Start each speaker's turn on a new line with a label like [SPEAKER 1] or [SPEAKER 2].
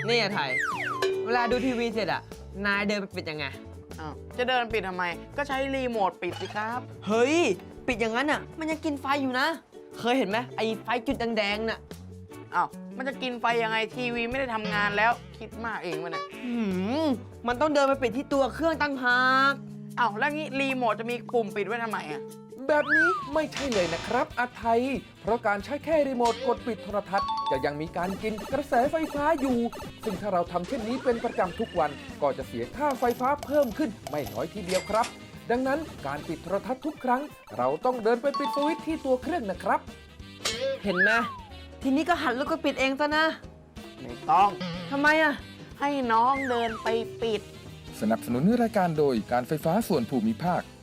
[SPEAKER 1] นี่อะไทย เวลาดูทีวีเสร็จอะนายเดินไปปิดยังไง
[SPEAKER 2] อ้าวจะเดินปิดทำไม ก็ใช้รีโมทปิดสิครับ
[SPEAKER 1] เฮ้ย ปิดอย่างนั้นอะมันยังกินไฟอยู่นะ เคยเห็นไหมไอ้ไฟจุดแดงๆน่ะ
[SPEAKER 2] อ้าวมันจะกินไฟยังไงทีวีไม่ได้ทำงานแล้วคิดมากเองวะเนี่ย
[SPEAKER 1] มันต้องเดินไปปิดที่ตัวเครื่องตั้งหาก
[SPEAKER 2] อ้าวแล้วงี้รีโมทจะมีปุ่มปิดไว้ทำไมอ่ะ
[SPEAKER 3] แบบนี้ไม่ใช่เลยนะครับอาไทย เพราะการใช้แค่รีโมทกดปิดโทรทัศน์จะยังมีการกินกระแสไฟฟ้าอยู่ ซึ่งถ้าเราทำเช่นนี้เป็นประจำทุกวัน ก็จะเสียค่าไฟฟ้าเพิ่มขึ้นไม่น้อยทีเดียวครับ ดังนั้นการปิดโทรทัศน์ทุกครั้ง เราต้องเดินไปปิดสวิตช์ที่ตัวเครื่องนะครับ
[SPEAKER 1] เห็นไหมทีนี้ก็หันแล้วก็ปิดเองซะนะ
[SPEAKER 2] ไม่ต้อง
[SPEAKER 1] ทำไมอะ
[SPEAKER 2] ให้น้องเดินไปปิด
[SPEAKER 3] สนับสนุนรายการโดยการไฟฟ้าส่วนภูมิภาค